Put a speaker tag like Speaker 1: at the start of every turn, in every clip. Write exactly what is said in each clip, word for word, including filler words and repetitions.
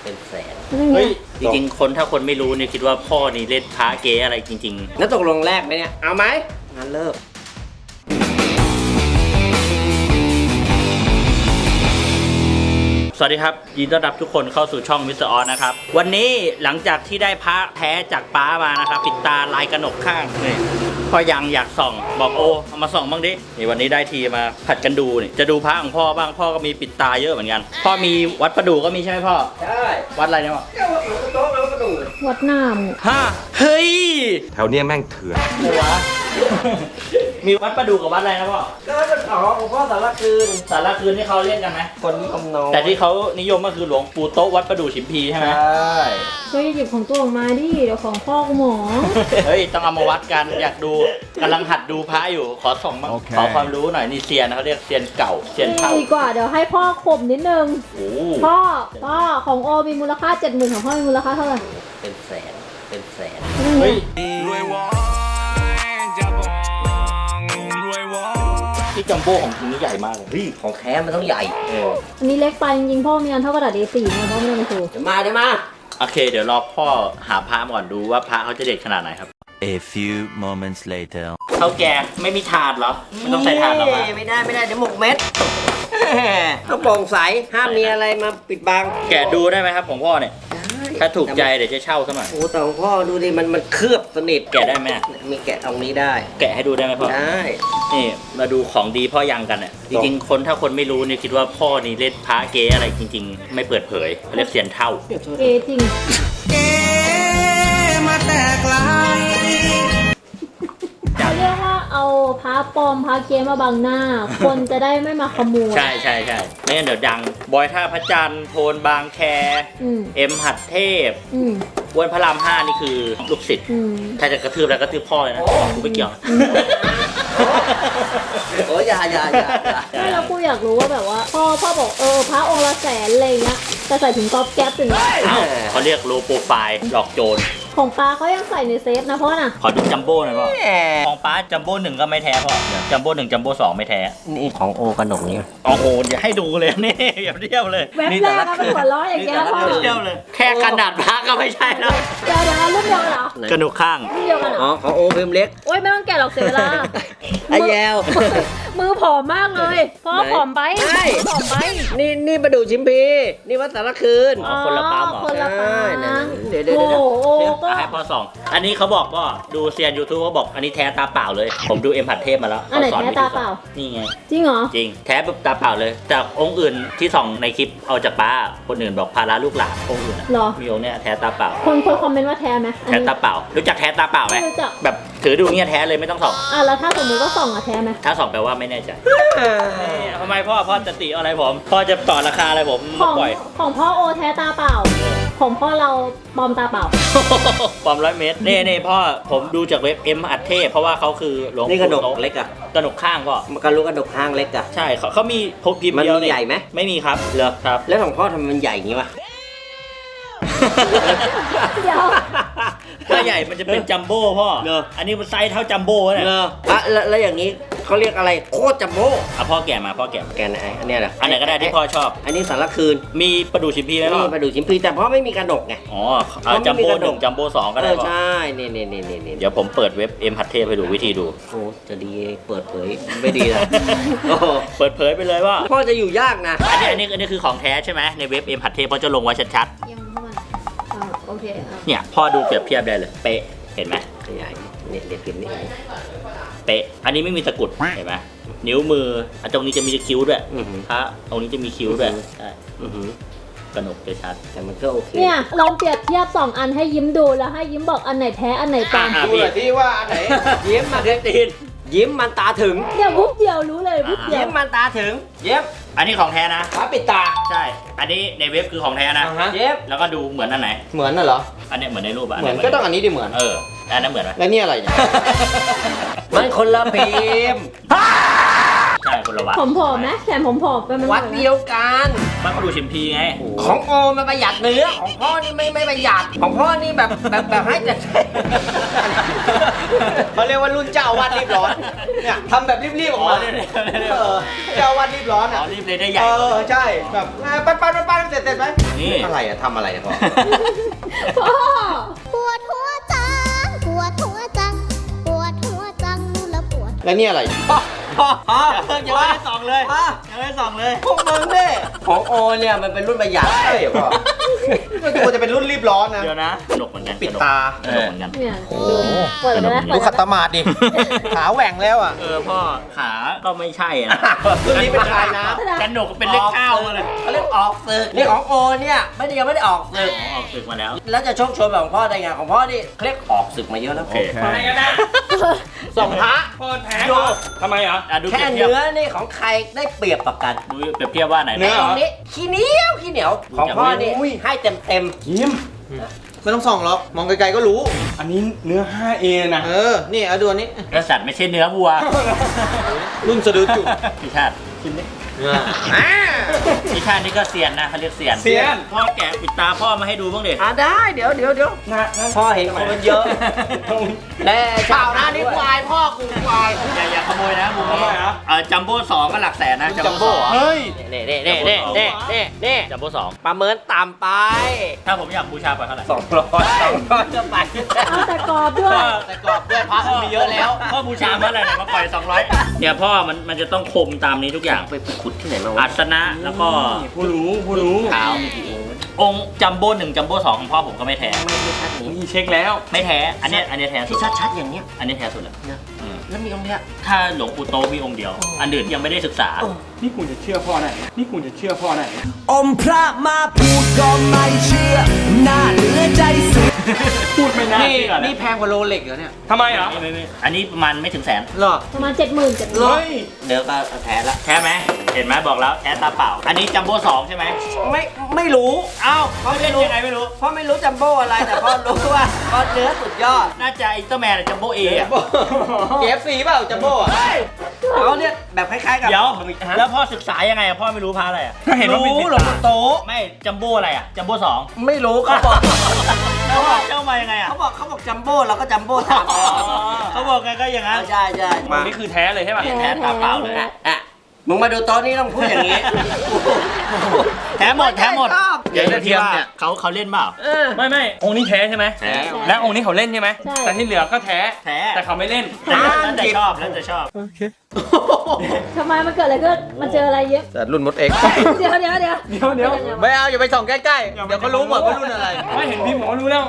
Speaker 1: เป็นแสน
Speaker 2: เฮ้ย
Speaker 3: จริงๆคนถ้าคนไม่รู้เนี่ยคิดว่าพ่อนี่เล่นพระเก๊อะไรจริง
Speaker 1: แล้วตกลงแรกไหมเนี่ยเอาไหมงั้นเลิก
Speaker 3: ๆ สวัสดีครับยินดีต้อนรับทุกคนเข้าสู่ช่องมิสเตอร์ออสนะครับวันนี้หลังจากที่ได้พระแท้จากป้ามานะครับปิดตาลายกระหนกข้างนี่พ่อยังอยากส่องบอกโอเอามาส่องบ้างดินี่วันนี้ได้ทีมาผัดกันดูนี่จะดูพระของพ่อบ้างพ่อก็มีปิดตาเยอะเหมือนกันพ่อมีวัดประดู่ก็มีใช่ไหมพ่อ
Speaker 1: ใช่
Speaker 3: วัดอะไรเนี่ยพ่อ
Speaker 1: เจ้าหลวงโต๊ะแล้วก็ดู
Speaker 2: วัดหน้ามึง
Speaker 3: ฮะเฮ้ย
Speaker 4: แถวเนี้ยแม่งเถื่อน
Speaker 3: อะไรวะ มีวัดประดู่กับวัดอะไรนะพ่อ
Speaker 1: ก็เป็นอ๋อของพ่อสารคืน
Speaker 3: สารคืนที่เขาเล่นกันไหม
Speaker 1: คนนิยมน้อย
Speaker 3: แต่ที่เขานิยมก็คือหลวงปู่โต๊ะวัดประดู่ฉิมพีใช่ไหม
Speaker 1: ใช่
Speaker 2: เฮ้ยหยิบของตัวออกมาดิเดี๋ยวของพ่อกูหมอ
Speaker 3: เฮ้ยต้องเอามาวัดกันอยากดูกำลังหัดดูพระอยู่ขอส่องบ้าง
Speaker 4: โอเค
Speaker 3: ขอความรู้หน่อยนี่เซียนนะเขาเรียกเซียนเก่าเซียนเท่า
Speaker 2: ดีกว่าเดี๋ยวให้พ่อข่มนิดนึง
Speaker 3: โอ้
Speaker 2: พ่อพ่อของโอมีมูลค่าเจ็ดหมื่นของพ่อมีมูลค่าเท่าไหร่
Speaker 1: เป็นแสนเป็นแสน
Speaker 3: เฮ้ย
Speaker 4: รวยวอยจะบองรวยวอย
Speaker 3: ที่จัมโบ้ของจริงนี่ใหญ่มากเลย
Speaker 1: เฮ้ยของแท้มันต้องใหญ่
Speaker 3: เออ
Speaker 2: อันนี้เล็กไปจริงๆพ่อมีอันเท่ากระดาษ เอ สี่ นะพ่อไม่ได้มาโชว์
Speaker 1: เดี๋ยวมาเดี๋ยวมา
Speaker 3: โอเค เดี๋ยวรอพ่อหาพระก่อนดูว่าพระเขาจะเด็ดขนาดไหนครับ
Speaker 5: A few moments later
Speaker 3: เท่าแกไม่มีถาดเหรอไม่ต้องใส่ถาดหรอวะ
Speaker 1: ไม่ได้ไม่ได้เดี๋ยวหมกเม็ดต้องโปร่งใสห้ามมีอะไรมาปิดบัง
Speaker 3: แกะดูได้ไหมครับของพ่อเนี่ย
Speaker 1: ได้
Speaker 3: ถ้าถูกใจเดี๋ยวจะเช่าสักหน่อย
Speaker 1: โอ้แต่ของพ่อดูดิมันมันเคลือบสนิท
Speaker 3: แกะได้ไหม
Speaker 1: มีแกะตรงนี้ได้
Speaker 3: แกะให้ดูได้ไหมพ่อ
Speaker 1: ได้
Speaker 3: นี่มาดูของดีพ่อยังกันเนี่ยจริงๆคนถ้าคนไม่รู้เนี่ยคิดว่าพ่อนี่เล่นพระเก๊อะไรจริง ๆ ไม่เปิดเผยเรียกเสียนเท่า
Speaker 2: เอจริง
Speaker 1: เก๋มาแต่ไกล
Speaker 2: เขาเรียกว่าเอาพระปลอมพระเกมมาบังหน้า คนจะได้ไม่มาขโมย
Speaker 3: ใช่ใช่ใช่ไม่งั้นเดี๋ยวดัง บอยท่าพระจันทร์โทนบางแค
Speaker 2: อืม
Speaker 3: เอ็มหัดเทพ
Speaker 2: อืม
Speaker 3: อ้วนพระรามห้านี่คือลูกศิษย์
Speaker 2: อืม
Speaker 3: ถ้าจะกระทืบแล้วกระทืบพ่อเลยนะกูไม่เกี่ยว
Speaker 1: โอ้ยอย่าอย่าอย่าอย่า
Speaker 2: ไม่แล้วกูอยากรู้ว่าแบบว่าพ่อพ่อบอกเออพระองค์ละแสนอะไรเงี้ยแต่ใส่ถุงก๊อบแก๊ปถึง
Speaker 3: อ้าวเขาเรียกโลโปรไฟล์หลอกโจร
Speaker 2: ของปลาเขายังใส่ในเซฟนะพ่อน่ะ
Speaker 3: ขอดูจัมโบ้หน่อยพ่อ
Speaker 1: แหม
Speaker 3: ของป้าจัมโบ้หนึ่งก็ไม่แท้พ่อจัมโบ้หนึ่งจัมโบ้สองไม่แท้
Speaker 1: นี่ของโอกระหนกนี่
Speaker 3: โอ้โหอย่าให้ดูเลยนี่อย่าเทียบเลย
Speaker 2: แว็บแรกก็เป็นหัวล้ออย่างเงี้ยพ่อ
Speaker 3: อย่าเทียบเลย แค่ขนาดพระก็ไม่ใช่แล้ว
Speaker 2: เดี๋ยวเดี๋ยวรุ่นเดียวกันเหรอก
Speaker 3: ระดูกข้าง
Speaker 2: รุ่นเดียวกันเหร
Speaker 1: อ๋อ
Speaker 2: อ
Speaker 1: ของโอพิมพ์เล็ก
Speaker 2: โอ๊ยไม่ต้องแกะหรอกเสียเวลา
Speaker 1: ไอ้แยว
Speaker 2: มือผอมมากเลยพ่อผอมไป
Speaker 1: ใช่
Speaker 2: ผอมไป
Speaker 1: นี่นี่ประดูชิมพีนี่วัดสารคืน
Speaker 3: อ๋อคนละปั๊มเหรอ
Speaker 2: คนละปั๊
Speaker 1: ใช่
Speaker 2: ม
Speaker 1: นั่นๆเดี๋ยวเดี๋ยว
Speaker 2: โอ้
Speaker 1: เดี๋ยว
Speaker 2: โห
Speaker 3: เดี๋ยว
Speaker 2: ก็
Speaker 3: อ่ะให้พ่อส่อง อันนี้เขาบอกก็ดูเซียนยูทูบเขาบอกอันนี้แท้ตาเปล่าเลย ผมดูเอ็มผัดเทพมาแล้ว
Speaker 2: อันไหน
Speaker 3: ขส
Speaker 2: แท้
Speaker 3: วิธี
Speaker 2: ตาเปล่า
Speaker 3: นี่ไง
Speaker 2: จริงเหรอ
Speaker 3: จริง แท้แบบตาเปล่าเลย แต่องค์อื่นที่ส่องในคลิปเอาจากป้า คนอื่นบอกพาราลูกหลานองค์อื่นอะ
Speaker 2: เหรอ
Speaker 3: มีองค์เนี้ยแท้ตาเปล่า
Speaker 2: คนคนคอมเมนต์ว่าแท้ไหมอัน
Speaker 3: แท้
Speaker 2: นี้
Speaker 3: ตาเปล่า รู้จักแท้ตาเปล่าไหม
Speaker 2: ไม่รู้จัก
Speaker 3: แบบถือดูเงี้ยแท้เลยไม่ต้องส่อง
Speaker 2: อ่ะแล้วถ้าสมมติว่าส่องอะแท้ไหม
Speaker 3: ถ้าส่องแปลว่าไม่แน่ใจนี่ทำไมพ่อพ่อจะติอะไรผม พ่อจะต่อราคาอะไรผม
Speaker 2: ของ
Speaker 3: ปล่อย
Speaker 2: ของพ่อโอแท้ตาเปล่า ของพ่อเราปลอมตาเปล่า
Speaker 3: ปอมร้อยเมตรเน่เน่พ่อผมดูจากเว็บเอ็มอัดเทพเพราะว่าเขาคือหลวง
Speaker 1: นี่กระหนก
Speaker 3: ปู่โต๊
Speaker 1: เล็กอะ
Speaker 3: กระหนกข้างก็
Speaker 1: มันกระลุกกระหนกข้างเล็กอะ
Speaker 3: ใช่เขาเขามีพกพิมพ์
Speaker 1: มัน
Speaker 3: เดียว
Speaker 1: มีใหญ่ไหม
Speaker 3: ไม่มีครับเหรอครับ
Speaker 1: แล้วของพ่อทำไมมันใหญ่อย่างงี้วะ
Speaker 2: เดี๋ยว
Speaker 3: ถ้าใหญ่มันจะเป็นจัมโบ้พ่อ
Speaker 1: เหรอ
Speaker 3: อันนี้มันไซส์เท่าจัมโบ้เนี่ย
Speaker 1: เอออะแล้วแล้วอย่างนี้เขาเรียกอะไรโคตรจัมโบ้
Speaker 3: อ่ะพ่อแกะมาพ่อแกะมา
Speaker 1: แกนไหนอันเนี้ยเหรอ
Speaker 3: อันไหนก็ได้ที่พ่อชอบ
Speaker 1: อันนี้สารคืน
Speaker 3: มีประดูชิมพีไหมพ่อ
Speaker 1: นี่ประดูชิมพีแต่พ่อไม่มีกระหนกไง
Speaker 3: อ๋อเอาจัมโบ้หนึ่งจัมโบ้สองก็
Speaker 1: เอ
Speaker 3: ได้
Speaker 1: อ
Speaker 3: พ่อ
Speaker 1: ใช่นี่นี่นี่นี่นี่
Speaker 3: เดี๋ยวผมเปิดเว็บเอ็มหัดเทพให้ดูวิธีดู
Speaker 1: โอ้จะดีเปิดเผยไม่ดีนะโอ้
Speaker 3: เปิดเผยไปเลยว่า
Speaker 1: พ่อจะอยู่ยากนะ
Speaker 3: อันนี้อันนี้อันนี้คือของแท้ใช่ไหมในเว็บเอ็มหัดเทพเขาจะลงไว้ชัด
Speaker 2: ยังเข้ามาอ่าโอเคอ่ะ
Speaker 3: ๆเนี่ยพ่อดูเปรียบเทียบได้เลยเป๊ะเห็นไหม
Speaker 1: ขยายเนี่ยเดี๋ยวพิมพ์นี่
Speaker 3: เป๊ะอันนี้ไม่มีตะกรุดเห็นไหมนิ้วมืออันตรงนี้จะมีคิ้วด้วย
Speaker 1: อือหือ
Speaker 3: พระตรงนี้จะมีคิ้วด้วยใช่
Speaker 1: อือหือก
Speaker 3: ระหนกจะชัด
Speaker 1: แต่มันก็โอเค
Speaker 2: เนี่ยลองเปรียบเทียบสองอันให้ยิ้มดูแล้วให้ยิ้มบอกอันไหนแท้อันไหนปลอม
Speaker 3: อ่ะ
Speaker 4: ดูหน่อยที่ว่าอันไหน
Speaker 1: ยิ้มมันตีนยิ้มมันตาถึง
Speaker 2: เนี่ยวุบเดียวรู้เลยวุบเดียว
Speaker 1: ยิ้มมันตาถึงเย็บ
Speaker 3: อันนี้ของแท้นะ
Speaker 4: ฟ้าปิดตา
Speaker 3: ใช่ อันนี้ในเว็บคือของแท้นะ
Speaker 4: อ่าฮะ
Speaker 1: เย็บ
Speaker 3: แล้วก็ดูเหมือนอันไหน
Speaker 4: เหมือนน่ะเหรอ
Speaker 3: อันเนี้ยเหมือนในรูปอะ
Speaker 4: เหมือนก็ต้องอันนี้ดิเหมือน
Speaker 3: เอออันนั้นเหมือนไหม
Speaker 4: แล้วนี่อะไรเนี่ย
Speaker 1: มันคนละพิมพ์
Speaker 3: ใช่คนละวัด
Speaker 2: ผมผอมไหมแขนผมผอมไปมัน
Speaker 1: วัดเดียวกัน
Speaker 3: บ้านเขาดูชิมพีไง
Speaker 1: ของโอมันประหยัดเนื้อของพ่อนี่ไม่ไม่ประหยัดของพ่อนี่แบบแบบแบบให้แต่เขาเรียกว่ารุ่นเจ้าอาวาดรีบร้อน เนี่ยทำแบบรีบๆออกมา
Speaker 3: อ๋อเรียบๆ
Speaker 1: เออเจ้าอาวาดรีบร้อน
Speaker 3: อ๋
Speaker 1: อ่ะ
Speaker 3: อรีบเลยได้ใหญ่
Speaker 1: เออใช่แบบปั้นปั้นปั้นปั้นเสร็จเสร็จไหม
Speaker 3: นี่
Speaker 1: อะไรอ่ะทำอะไรอ่ะพ่อ
Speaker 2: พ่อ
Speaker 6: ปวดหัวจัง ปวดหัวจัง ปวดหัวจังแล้วปวด
Speaker 1: แล้วนี่อะไรพ่อพ่อพ่อ
Speaker 3: ยังไม่ได้ส่องเลย
Speaker 1: พ่อ
Speaker 3: ยังไม่ได้ส่องเลย
Speaker 1: พวกมึงนี่ของโอเนี่ยมันเป็นรุ่นประหยัดใช่เหรอพ่อไม่ควรจะเป็นรุ่นรีบร้อนนะ
Speaker 3: เดี๋ยวนะสนุกเหมือนกัน
Speaker 1: ปิดตา
Speaker 3: สนุกเหมือนกัน
Speaker 2: เนี่ยดูเปิดเลยนะ
Speaker 1: ดูขัดตมาดดิ ขาแหว่งแล้วอ่ะ
Speaker 3: เออพ่อขาก็ไม่ใช่นะ
Speaker 1: รุ่นนี้เป็นชายน้
Speaker 3: กันหนกเป็นเลขเก้ามาเลย
Speaker 1: เขาเรียกออกศึกนี่ของโอเนี่ยไม่ได้ยังไม่ได้ออกศึก
Speaker 3: อ๋อออกศึกมาแล้ว
Speaker 1: แล้วจะโชคโชนแบบของพ่อได้ไงของพ่อนี่เขาเรียกออกศึกมาเยอะแล้ว
Speaker 3: โอเค
Speaker 7: อะไรกันนะ
Speaker 1: ส่งพระ
Speaker 7: พ่อแท้เหรอทำไมเหรอ
Speaker 3: อ่ะดูเป
Speaker 1: แค่
Speaker 3: รียบเทียบ
Speaker 1: เนื้อนี่ของใครได้เปรียบต่อกัน
Speaker 3: ดูเปรียบเทียบว่าไหน
Speaker 7: เนื้อเหร
Speaker 1: ตรงนี้ขี้เหนียวขี้เหนียวของพ่อนี่ให้เต็มเต็ม
Speaker 7: ยิ้ม
Speaker 1: ไม่ต้องส่องหรอกมองไกลๆก็รู้
Speaker 7: อันนี้เนื้อ ไฟว์เอ นะ
Speaker 1: เออนี่เอาดูอันนี้
Speaker 3: กษัตริย์ไม่ใช่เนื้อวัว
Speaker 1: รุ่นสะดือจุก
Speaker 3: พี่ชาติ
Speaker 1: อ่า
Speaker 3: พี่ชาตินี่ก็เซียนนะเขาเรียกเซียน
Speaker 7: เซียน
Speaker 3: พ่อแกะปิดตาพ่อมาให้ดูบ้างดิ
Speaker 1: อ่าได้เดี๋ยวเดี๋ยวเดี๋ยว
Speaker 7: นะนะ
Speaker 1: พ่อเห็นคนมันเยอะแน่เปล่านะนี่ควายพ่อกูควาย
Speaker 3: อย่าอย่าขโมยนะมุม
Speaker 7: ทำไม
Speaker 3: นี้
Speaker 7: เหรอ
Speaker 3: เออจัมโบ้สองก็หลักแสนนะ
Speaker 1: จัมโบ้เหรอ
Speaker 7: เฮ้ย
Speaker 1: เน่เน่เน่เน่เน่เน่เน่
Speaker 3: จัมโบ้สอง
Speaker 1: ประเมินต่ำไป
Speaker 3: ถ้าผมอยากบูชาไปเท่าไหร่
Speaker 1: สองร้อยสองร้อยจะไป
Speaker 2: เอาแต่กรอบด้วย
Speaker 1: แต่กรอบด้วยพระกูมีเยอะแล้ว
Speaker 3: พ่อบูชาเมื่อไหร่เนี่ยมาปล่อยสองร้อยเนี่ยพ่อมันมันจะต้องคมตามนี้ทุกอย่าง
Speaker 1: ไปขุดที่ไหนมาวะ
Speaker 3: อัศนะแล้วก็
Speaker 7: ผู้รู้ผู้รู้
Speaker 1: ขาว
Speaker 3: องค์จัมโบ้หนึ่งจัมโบ้สองของพ่อผมก็ไม่แท้
Speaker 1: ไม่ไม่ชัดนี้
Speaker 7: นี่เช็คแล้ว
Speaker 3: ไม่แท้อันเนี้ยอันเนี้ยแท้สุ
Speaker 1: ที่
Speaker 3: ด
Speaker 1: ชัดชัดๆอย่างเนี้ย
Speaker 3: อันนี้แท้สุดแล้ว
Speaker 1: เนี่ย
Speaker 3: อืม
Speaker 1: แล้วมีองค์เนี้ย
Speaker 3: ถ้าหลวงปู่โตมีองค์เดียว อันอื่นยังไม่ได้ศึกษา
Speaker 7: นี่กูจะเชื่อพ่อไหนนี่กูจะเชื่อพ่อไหน
Speaker 8: อมพระมาพูดก็ไม่เชื่อ น่าเหลือใจสุด
Speaker 7: พูดไม่น่า
Speaker 1: นี่
Speaker 7: เชื่อ
Speaker 1: นี่
Speaker 7: นะ
Speaker 1: แพงกว่าโรเล็กเหรอเนี่ย
Speaker 7: ทำไมเหรอ
Speaker 3: ไม่ไม่ไม่อันนี้ประมาณไม่ถึงแสน
Speaker 1: เหรอ
Speaker 2: ประมาณเจ็ดหมื่นเจ็ดหมื่น
Speaker 7: เฮ้ย
Speaker 1: เดี๋ยวก็แท้ละ
Speaker 3: แท้ไหมเห็นไหมบอกแล้วแท้ตาเปล่า อันนี้จัมโบ้สองใช่ไหม
Speaker 1: ไม่ไม่รู้
Speaker 3: เอ้าเขาเล่นยังไงไม่รู้
Speaker 1: เพราะไม่รู้จัมโบ้อะไรแต่พ่อรู้ว่าพ่อเนื้อสุดยอด
Speaker 3: น่าจะอินเตอร์แมนจัมโบ้เออะ
Speaker 1: เค เอฟ ซี เปล่าจัมโบ้อะเขาเนี่ยแบบคล้ายๆกับ
Speaker 3: เดี๋ยว
Speaker 1: ฮะ
Speaker 3: แล้วพ่อศึกษายังไงอะพ่อไม่รู้พระอะไรอะ
Speaker 7: ก็เห็นว่าเป็น
Speaker 1: รู้
Speaker 7: ติด
Speaker 1: หลวง
Speaker 7: ตา
Speaker 1: ปู่โต
Speaker 3: ไม่จัมโบ้อะไรอะจัมโบ้สอง
Speaker 1: ไม่รู้เขาบอก
Speaker 3: แล้วพ่อเจ้ามายังไงอะ
Speaker 1: เขาบอกเขาบอกจัมโบ้เราก็จัมโบ้ตามไป
Speaker 3: เขาบอกไงก็อย่างนั้น
Speaker 1: ใช่ใช่มา
Speaker 7: นี่คือแท้เลยใช่ป่ะ
Speaker 3: แท้ตาเปล่าเลย
Speaker 1: อ่ะอ่ะมึงมาดูโต๊ะนี้ต้องพูดอย่างนี้
Speaker 3: แท้หมดแท้หมด
Speaker 1: ชอบ
Speaker 3: เดี๋ยวเทียมเนี่ยเขาเขาเล่นเปล่า
Speaker 1: เออ
Speaker 7: ไม่ไม่องค์นี้แท้ใช่ไหม
Speaker 3: แท้
Speaker 7: และองค์นี้เขาเล่นใช่ไหม
Speaker 2: ใช่
Speaker 7: แต่ที่เหลือก็แท้
Speaker 3: แท้
Speaker 7: แต่เขาไม่เล่น
Speaker 3: แต่แล้วแต่ชอบแล้วแต่ชอบ
Speaker 2: ทำไมมันเกิดอะไรขึ้นมันเจออะไรเยอะ
Speaker 1: แต่รุ่นมดเอ็ก
Speaker 2: เดี๋ยวเดี๋ยวเดี๋ยว
Speaker 7: เดี๋ยวเดี๋ยว
Speaker 1: ไม่เอาอย่าไปส่องใกล้ๆ เดี๋ยวเขารู้หมดว่ารุ่นอะไร
Speaker 7: ไม่เห็นพี่หมอรู้แล้ว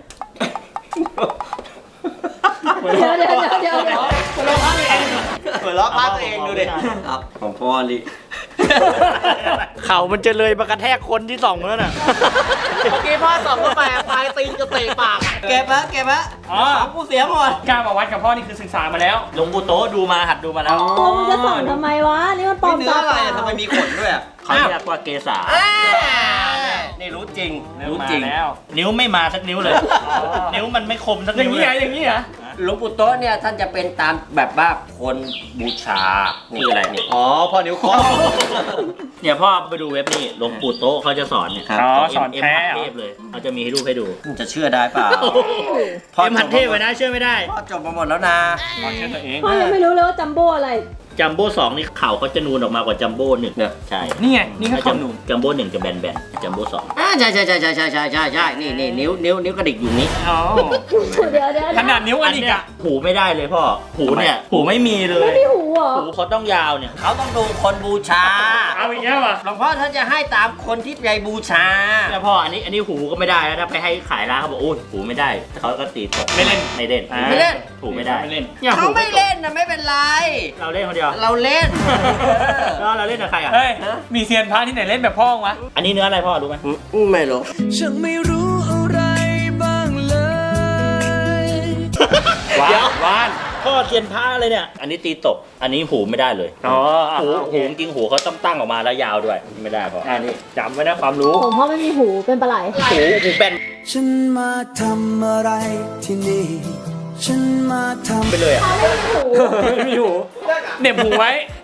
Speaker 2: เดี๋ยวเดี๋ยวเดี๋ยวเดี๋ยวเดี๋ยว
Speaker 1: หัวเราะพลาดตัวเองดูดิครับของพ่อลิเข่ามันจะเลยมากระแทกคนที่ส่องแล้วน่ะ เมื่อกี้พ่อส่องเข้าไปปลายตีนจะเตะปากเก็บฮะเก็บฮะ
Speaker 7: อ๋อ
Speaker 1: ของกูเสียหมด
Speaker 7: กล้ามาวัดกับพ่อนี่คือศึกษามาแล้ว
Speaker 3: หลวงปู่โตะดูมาหัดดูมาแล้ว
Speaker 2: ตัวมึงจะส่องทำไมวะ นี่มันปลอม
Speaker 1: เนื้อ
Speaker 2: ตา
Speaker 1: อะไร
Speaker 2: เปล่า
Speaker 1: อะทำไมมีขนด้วยอะ
Speaker 3: เขาเรียกว่าเกษา
Speaker 1: อ้าวนี่รู้จริง รู้จริง
Speaker 7: มาแล้ว
Speaker 3: นิ้วไม่มาสักนิ้วเลย นิ้วมันไม่คมสัก
Speaker 7: อย่า
Speaker 3: นิ้
Speaker 7: ง
Speaker 3: ว
Speaker 7: นี้
Speaker 3: เล
Speaker 7: เหรอย อย่างนี้เหรอ
Speaker 1: หลวงปู่โต๊ะเนี่ยท่านจะเป็นตามแบบว่าคนบูชา
Speaker 3: นี่อะไรเนี่ย
Speaker 1: อ๋อพ่อนิ้วเคอ
Speaker 3: เนี่ยพ่อไปดูเว็บนี่หลวงปู่โตะเขาจะสอนเนี่ย
Speaker 7: อ๋อ
Speaker 3: ขง
Speaker 7: สอน
Speaker 3: เอ็ม
Speaker 7: แท้
Speaker 3: หัด
Speaker 7: เหรอ
Speaker 3: เทพเลยเขาจะมีให้รูปให้ดู
Speaker 1: จะเชื่อได้เปล่า พ่อ
Speaker 3: เอ็มหัดเทพไว้นะเชื่อไม่ได้
Speaker 1: พ่อจบมาหมดแล้วนะ
Speaker 7: พ่อเชื่อตัวเอง
Speaker 2: พ่อยังไม่รู้เลยว่าจัมโบ้อะไร
Speaker 3: จัมโบ้สองนี่เข่าเขาจะนูนออกมากว่าจัมโบ้หนึ่ง
Speaker 1: เนี่ย
Speaker 3: ใช่
Speaker 7: นี่ไง นี่ก็
Speaker 3: จั
Speaker 7: เขาหนุน
Speaker 3: จัมโบ้หนึ่งจะแบนแบนๆจัมโบ้สอง
Speaker 1: อ่าใช่ใช่ใช่ใช่ใช่ใช่ใช่ใช่นี่นี่นิ้วนิ้วนิ้วกระดิกอยู่นี้
Speaker 7: อ๋อ
Speaker 2: เดี๋ยวเดี๋ยว
Speaker 7: ขนาดนิ้วอันอีก
Speaker 3: เนี้ย
Speaker 7: อะ
Speaker 3: หูไม่ได้เลยพ่อ หูเนี่ย หูไม่มีเล
Speaker 2: ไม่
Speaker 3: ย
Speaker 2: มีหูเหรอ
Speaker 3: หูเขาต้องยาวเนี่ย
Speaker 1: เขาต้องดูคนบูชา
Speaker 7: เอาอีกแล้วอ่ะ
Speaker 1: หลวงพ่อท่านจะให้ตามคนที่ใจบูชา
Speaker 3: แล้วพ่ออันนี้อันนี้หูก็ไม่ได้นะถ้าไปให้ขายร้านเขาบอกโอ้ยหูไม่ได้เขาก็ตีตก
Speaker 7: ไม่เล่น
Speaker 3: ไม่เล่น
Speaker 7: อ่า
Speaker 1: ไม่เล่น
Speaker 3: หูไม่ได้
Speaker 7: ไม่เล่น
Speaker 3: นี่ย
Speaker 1: เขา
Speaker 3: หู
Speaker 1: ไม่เล่นนะไม่เป็นไร
Speaker 3: เราเล่นคนเดียว
Speaker 1: เราเล่น
Speaker 3: แล้วเราเล่นกับใครอ่ะ
Speaker 7: เฮ้ย มีเซียนพระที่ไหนเล่นแบบพ่อวะ
Speaker 3: อันนี้เนื้ออะไรพ่อรู้ไหม
Speaker 1: ไม่รู้
Speaker 8: ฉันไม่รู้อะไรบ้างเลย
Speaker 7: วา
Speaker 3: เดี๋ยวน
Speaker 7: วาน
Speaker 3: พ่อเทียนผ้าเลยเนี่ย อันนี้ตีตก อันนี้หูไม่ได้เลย
Speaker 7: อ๋ออ่ะ
Speaker 3: หู
Speaker 7: โอเค
Speaker 3: หูจริงหูเขาต้องตั้งออกมาแล้วยาวด้วย ไม่ได้พ่อ
Speaker 7: อ่านี่จำไว้นะความรู้
Speaker 2: ผมพ่อไม่มีหูเป็นปลาไหล
Speaker 3: หูหูแบน
Speaker 8: ฉันมาทำอะไรที่นี่ ฉันมาทำ
Speaker 3: ไปเลยอ่ะ
Speaker 2: พ่อไม่มีหู
Speaker 7: ไม่มีหูเหน็บหูไว้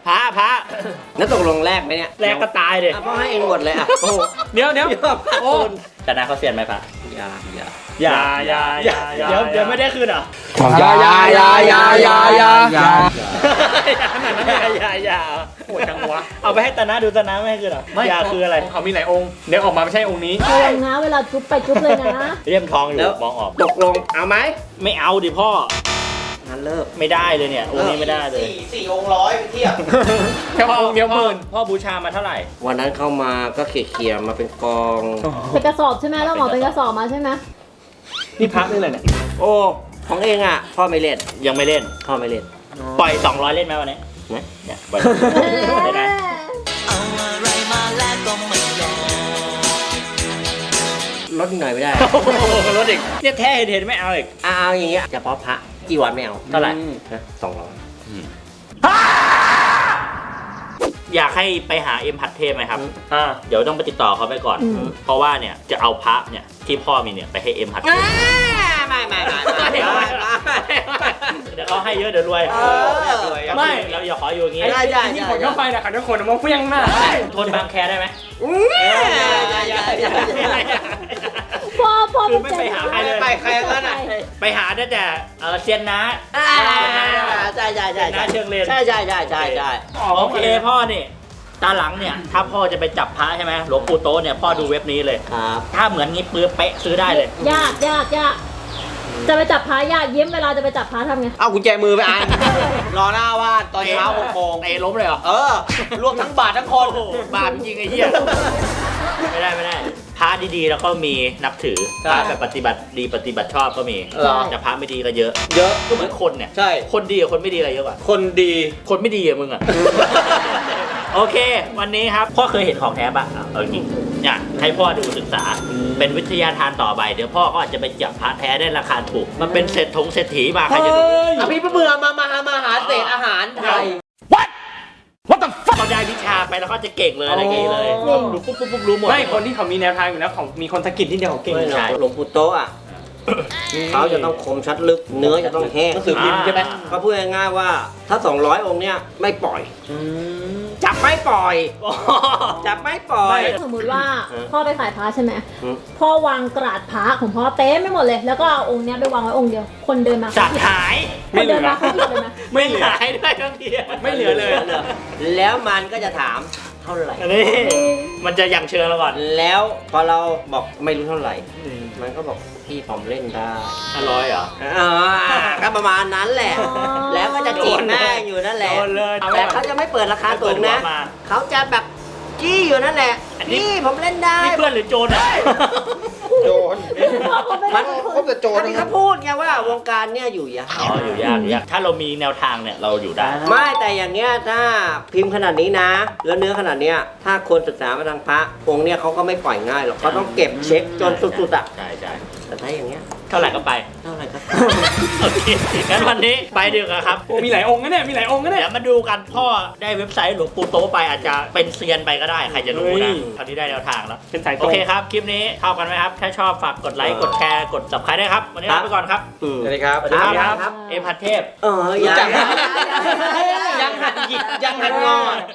Speaker 3: พระพระ
Speaker 1: แล้วตกลงแรกไหมเนี่ย
Speaker 3: แรกก็ตายเลย
Speaker 1: อ่ะพ่อให้เองหมดเลยอ่ะโอ้โห
Speaker 7: เดี๋ยวเดี๋ยว
Speaker 1: เยอะมาก
Speaker 7: โอ้
Speaker 1: คุณ
Speaker 3: ชนะเขาเซียนไหมพระ
Speaker 1: อย่าอย่า
Speaker 7: อย่าอย่าอย่าอย่า
Speaker 3: เดี๋ยวเดี๋ยวไม่ได้คืนเหรอ
Speaker 8: อย่าอย่าอย่าอย่าอย่าอย่าอย่า
Speaker 7: ขนาดนั้นเลย
Speaker 3: อย่าอย่า
Speaker 7: โหดจังวะ
Speaker 3: เอาไปให้ตานะดูตานะไม่ให้คืนเหรออย่าคืออะไร
Speaker 7: ของเขามีหลายองค์เดี๋ยวออกมาไม่ใช่องค์นี้
Speaker 2: ระวังนะเวลาจุ๊บไปจุ๊บเลยนะ
Speaker 3: เลี่ยมทองอยู่
Speaker 1: แล้ว
Speaker 3: มองออก
Speaker 1: ตกลงเอาไหม
Speaker 3: ไม่เอาดิพ่อ
Speaker 1: งั้นเลิก
Speaker 3: ไม่ได้เลยเนี่ยองค์นี้ไม่ได้เลย
Speaker 1: สี่สี่องค์ร้อยไปเทียบ
Speaker 7: แค่องค์เดียวหมื่น
Speaker 3: พ่อบูชามาเท่าไหร่
Speaker 1: วันนั้นเข้ามาก็เขี่ยๆมาเป็นกอง
Speaker 2: เป็นกระสอบใช่ไหมเราหมอเป็นกระสอบมาใช่ไหม
Speaker 7: นี่พักนี่เลยเนี่ย
Speaker 1: โอ้ของเองอ่ะพ่อไม่เล่น
Speaker 3: ยังไม่เล่น
Speaker 1: พ่อไม่เล่น
Speaker 3: ปล่อยสองร้อยเล่นไหมวันนี้
Speaker 1: นะ
Speaker 3: เนี่ยปล่อยได้ไหม
Speaker 1: ลดหน่อยไม่ได้
Speaker 3: โอ้โหรถเด็กเนี่ยแท้เห็นเห็นไม่เอาอีก
Speaker 1: เอาเอาอย่างเงี้ยเฉพาะพระจีวรไม่เอา
Speaker 3: เท่าไหร่
Speaker 1: นะสองร้อย
Speaker 3: อยากให้ไปหาเอ็มผัดเทพไหมครับ
Speaker 7: อ่า
Speaker 3: เดี๋ยวต้องไปติดต่อเขาไปก่อน
Speaker 2: อืม
Speaker 3: เพราะว่าเนี่ยจะเอาพระเนี่ยที่พ่อมีเนี่ยไปให้เอ็มผัดเทพ
Speaker 1: ไม่ไม่ไม่ไม่ไม่ไม่
Speaker 3: เดี๋ยวเขาให้เยอะเดี๋ยวรวย
Speaker 1: เออ
Speaker 3: ไม่เราอย่าขออยู่อย่างงี้
Speaker 1: ได้ได้
Speaker 7: ที่ขนเข้าไปนะขันทุกคนมองเฟี้ยงหน้า
Speaker 3: ทนบางแคได้ไหม
Speaker 2: พ่อพ่อ
Speaker 3: คือไม่ไปหาใครเลย
Speaker 1: ไปใครก็ได้
Speaker 3: ไปหาได้แต่เออเซียนนะ
Speaker 1: อ่าใช่ใช่ใช่
Speaker 3: เซียนนะเชิงเลน
Speaker 1: ใช่ใช่ใช่ใช่ใช่
Speaker 3: โอเคพ่อนี่ตาหลังเนี่ยถ้าพ่อจะไปจับพระใช่ไหมหลวงปู่โตะเนี่ยพ่อดูเว็บนี้เลย
Speaker 1: ครับ
Speaker 3: ถ้าเหมือนงี้ปื้อเป๊ะซื้อได้เลย
Speaker 2: ยากยากยากจะไปจับพายากเยิ้มเวลาจะไปจับพาทำไง
Speaker 1: เอากุญแจมือไปอ่านรอหน้าว่านตอนเช้าหกโมง
Speaker 3: เตะล้มเลยเหรอ
Speaker 1: เออ รวมทั้งบาททั้งคน
Speaker 3: โอ้โหบาปจริงๆไอ้เหี้ยไม่ได้ไม่ได้พระดีๆแล้วก็มีนับถือพระแบบปฏิบัติดีปฏิบัติชอบก็มี
Speaker 1: เหรอ
Speaker 3: แต่พระไม่ดีก็เยอะ
Speaker 1: เยอะ
Speaker 3: ก็เหมือนคนเนี่ย
Speaker 1: ใช่
Speaker 3: คนดีกับคนไม่ดีอะไรเยอะกว่า
Speaker 1: คนดี
Speaker 3: คนไม่ดีอะมึงอะ โอเค วันนี้ครับพ่อเคยเห็นของแท้ปะอ่ะเอาจริงเนี่ยให้พ่อดูศึกษา เป็นวิทยาทานต่อไปเดี๋ยวพ่อก็อาจจะไปจับพระแท้ได้ราคาถูก มันเป็นเศรษฐงเศรษฐีมาใครจะดู
Speaker 1: อภิเบื่อมามาหามาหาเศษอาหารไทย
Speaker 3: เขาได้วิชาไปแล้วก็จะเก่งเลยอะไรเก่งเลย
Speaker 2: จริง
Speaker 3: รู้ปุ๊บปุ๊บปุ๊บรู้หมด
Speaker 7: ไม่คนที่เขามีแนวทางอยู่แล้วเขามีคนสะกิดที่เดียวเขาเก่ง
Speaker 1: ไม่หรอก
Speaker 3: ใช่
Speaker 1: หลวงปู่โตะอ่ะเขาจะต้องคมชัดลึก เนื้อจะต้องแห้ง
Speaker 7: หนังสือพิมพ์ใช่ไหม
Speaker 1: ก็พูดง่ายๆว่าถ้า สองร้อย องค์เนี้ยไม่ปล่อย จับไม่ปล่อย จับไม่ปล่อย
Speaker 2: สมมุติว่า
Speaker 1: เออ
Speaker 2: พ่อไปขายพระใช่ไหม
Speaker 1: อืม
Speaker 2: พ่อวางกระดาษพระของพ่อเต็มไม่หมดเลย แล้วก็เอาองค์เนี้ยไปวางไว้องค์เดียว คนเดินมา
Speaker 3: สัตว์หาย
Speaker 2: คนเดินมาเขาหยิบเลยไหม
Speaker 3: ไม่หายด้วยทั้งที
Speaker 7: ไม่เหลือเลย
Speaker 1: แล้วมันก็จะถามเท่าไหร่
Speaker 3: อันนี้มันจะยังเชิงเราก่อน
Speaker 1: แล้วพอเราบอกไม่รู้เท่าไหร่ มันก็บอกพี่ผมเล่นได้
Speaker 3: อร่อยเหรอ
Speaker 1: อ่าก็ประมาณนั้นแหละ
Speaker 2: อ๋อ
Speaker 1: แล้วก็จะจีบแม่อยู่นั่นแหละ
Speaker 3: โดนเลย
Speaker 1: แต่เขาจะไม่เปิดราคาสูงนะ
Speaker 3: เปิดหัวมา
Speaker 1: เขาจะแบบจี้อยู่นั่นแหละ
Speaker 3: อันนี้
Speaker 1: พี่ผมเล่นได้
Speaker 3: นี่เพื่อนหรือโจรอ่ะ
Speaker 1: โจร
Speaker 2: พ่อเขาไม่
Speaker 1: มั
Speaker 2: ได้
Speaker 1: น
Speaker 2: เป็นคน
Speaker 1: เขาจะโจรอันนี้เขาพูดไงว่าวงการเนี่ยอยู่ยาก
Speaker 3: อ๋ออยู่ยากอยู่ยากถ้าเรามีแนวทางเนี่ยเราอยู่ได้
Speaker 1: ไม่แต่อย่างเงี้ยถ้าพิมพ์ขนาดนี้นะ แล้วเนื้อขนาดเนี้ยถ้าคนศึกษามาทางพระองค์เนี่ยเขาก็ไม่ปล่อยง่ายหรอกเขาต้องเก็บเช็คจนสุดๆอ่ะ
Speaker 3: ใช่ใช่
Speaker 1: แต่ถ้าอย่างเงี้ย
Speaker 3: เท่าไหร่ก็ไป
Speaker 1: เท่าไหร่ก็
Speaker 3: โอเคงั้นวันนี้ไปดีกว่าครับ
Speaker 7: โอ้มีหลายองค์นะเนี่ยมีหลายองค์นะเนี่ย
Speaker 3: เดี๋ยวมาดูกันพ่อได้เว็บไซต์หลวงปู่โตะไปอาจจะเป็นเซียนไปก็ได้ใครจะรู้
Speaker 7: เฮ้
Speaker 3: นะ
Speaker 7: ย
Speaker 3: คราวนี้ได้แนวทางแล้ว
Speaker 7: เป็นสายต
Speaker 3: โอ
Speaker 7: รง
Speaker 3: เคครับ คลิปนี้ชอบกันไหมครับ ถ้าชอบฝากกดไลค์กดแชร์กด subscribe ได้ครับ วันนี้ลาไปก่อนครับ
Speaker 1: สวัสดีครับ
Speaker 3: สวัสดีครับ
Speaker 1: ครับ
Speaker 3: เอ็มพัดเทพ
Speaker 1: เออยัง
Speaker 3: รู้จักไหม
Speaker 1: ยังหัดหยิกยังหัดงอ